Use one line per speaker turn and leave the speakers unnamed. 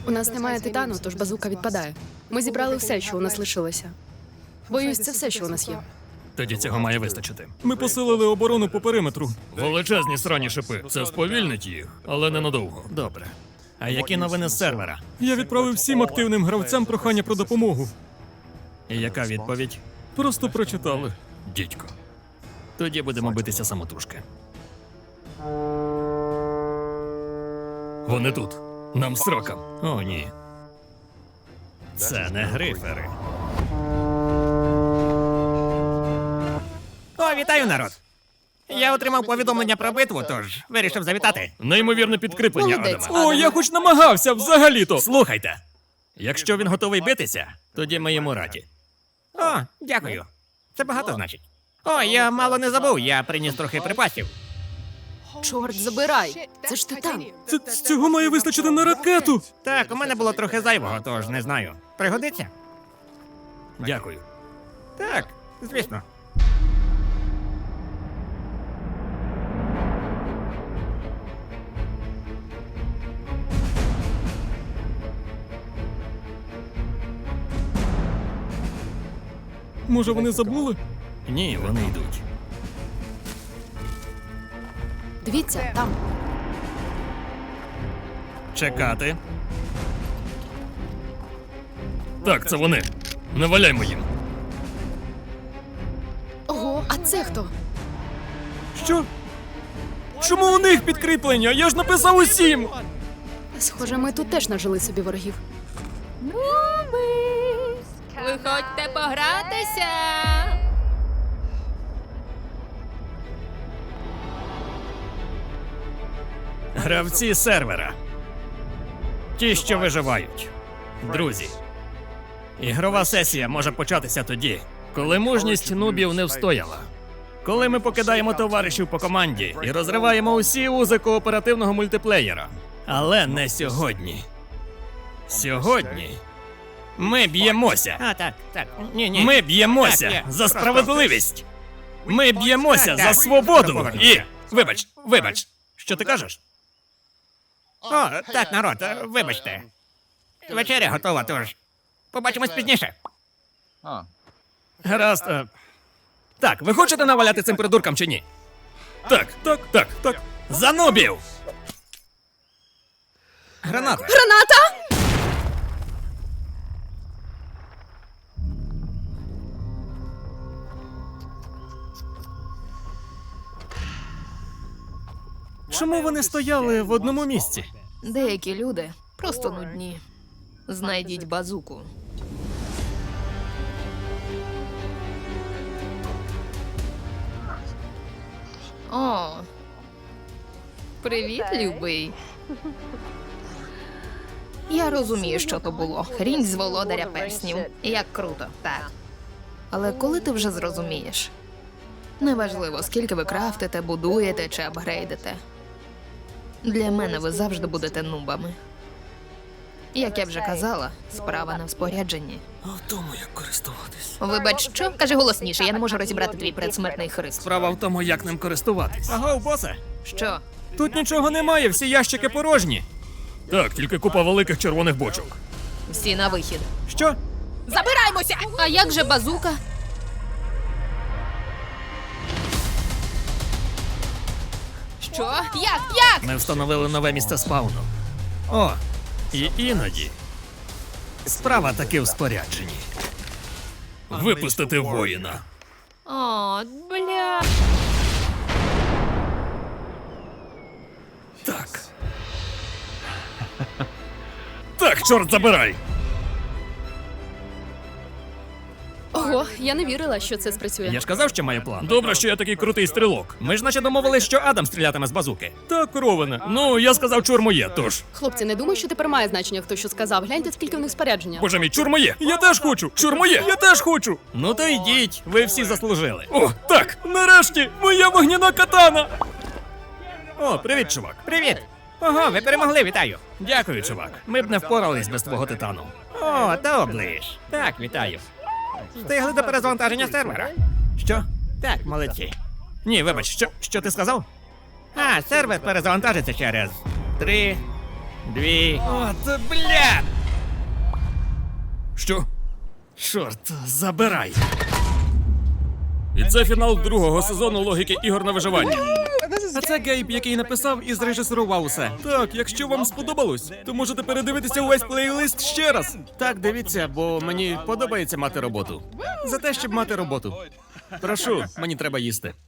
У нас немає титану, тож базука відпадає. Ми зібрали все, що у нас лишилося. Боюсь, це все, що у нас є.
Тоді цього має вистачити.
Ми посилили оборону по периметру.
Величезні срані шипи. Це сповільнить їх, але ненадовго. Добре. А які новини з сервера?
Я відправив всім активним гравцям прохання про допомогу.
І яка відповідь?
Просто прочитали.
Дідько. Тоді будемо битися самотужки. Вони тут. Нам срокам. О, ні. Це не грифери.
О, вітаю, народ! Я отримав повідомлення про битву, тож вирішив завітати.
Неймовірне підкріплення,
Молодець.
Адаме.
О, я хоч намагався, взагалі-то.
Слухайте. Якщо він готовий битися, тоді ми йому раді.
О, дякую. Це багато значить. О, я мало не забув, я приніс трохи припасів.
Чорт, забирай! Це ж титан.
Цього має вистачити на ракету.
Так, у мене було трохи зайвого, тож не знаю. Пригодиться?
Дякую.
Так, звісно.
Може, вони забули?
Ні, вони йдуть.
Дивіться, там.
Чекати. Так, це вони. Не валяймо їм.
Ого, а це хто?
Що? Чому у них підкріплення? Я ж написав усім!
Схоже, ми тут теж нажили собі ворогів.
Виходьте погратися.
Гравці сервера. Ті, що виживають. Друзі. Ігрова сесія може початися тоді, коли мужність нубів не встояла. Коли ми покидаємо товаришів по команді і розриваємо усі узи кооперативного мультиплеєра. Але не сьогодні. Сьогодні ми б'ємося.
А, так. Ні.
Ми б'ємося
Так,
за справедливість. Ми б'ємося за свободу. І. Вибач. Що ти кажеш?
О, так, народ, вибачте. Вечеря готова, тож побачимось пізніше.
Гаразд. Так, ви хочете наваляти цим придуркам чи ні? Так. За нубів!
Граната.
Граната!
Чому вони стояли в одному місці?
Деякі люди просто нудні. Знайдіть базуку. О. Привіт, любий. Я розумію, що то було. Хрінь з володаря перснів. Як круто, так. Але коли ти вже зрозумієш? Неважливо, скільки ви крафтите, будуєте чи апгрейдите. Для мене ви завжди будете нубами. Як я вже казала, справа не в спорядженні.
А в тому, як користуватись.
Вибач, що? Кажи голосніше, я не можу розібрати твій предсмертний христ.
Справа в тому, як ним користуватись.
Агов, босе.
Що?
Тут нічого немає, всі ящики порожні.
Так, тільки купа великих червоних бочок.
Всі на вихід.
Що?
Забираємося! А як же базука? Що? Як?
Ми встановили нове місце спауну. О, і іноді. Справа таки в спорядженні. Випустити воїна.
О, бля.
Так. Так, чорт забирай!
Ого, я не вірила, що це спрацює.
Я ж казав, що маю план. Добре, що я такий крутий стрілок. Ми ж наче домовились, що Адам стрілятиме з базуки.
Так, Роване.
Ну, я сказав, чур моє, тож.
Хлопці, не думаю, що тепер має значення, хто що сказав. Гляньте, скільки в них спорядження.
Боже мій, чур моє!
Я теж хочу!
Чур моє!
Я теж хочу!
Ну то йдіть, ви всі заслужили.
О, так! Нарешті! Моя вогняна катана!
О, привіт, чувак.
Привіт. Ого, ви перемогли, вітаю.
Дякую, чувак. Ми б не впорались без твого титану.
О, та оближ. Так, вітаю. Встигли до перезавантаження сервера.
Що?
Так, молодці.
Ні, вибач, що ти сказав?
А, сервер перезавантажиться через 3, 2.
От, бля! Що? Чорт, забирай. І це фінал другого сезону логіки ігор на виживання.
А це Гейб, який написав і зрежисерував усе. Так, якщо вам сподобалось, то можете передивитися увесь плейлист ще раз.
Так, дивіться, бо мені подобається мати роботу. За те, щоб мати роботу. Прошу, мені треба їсти.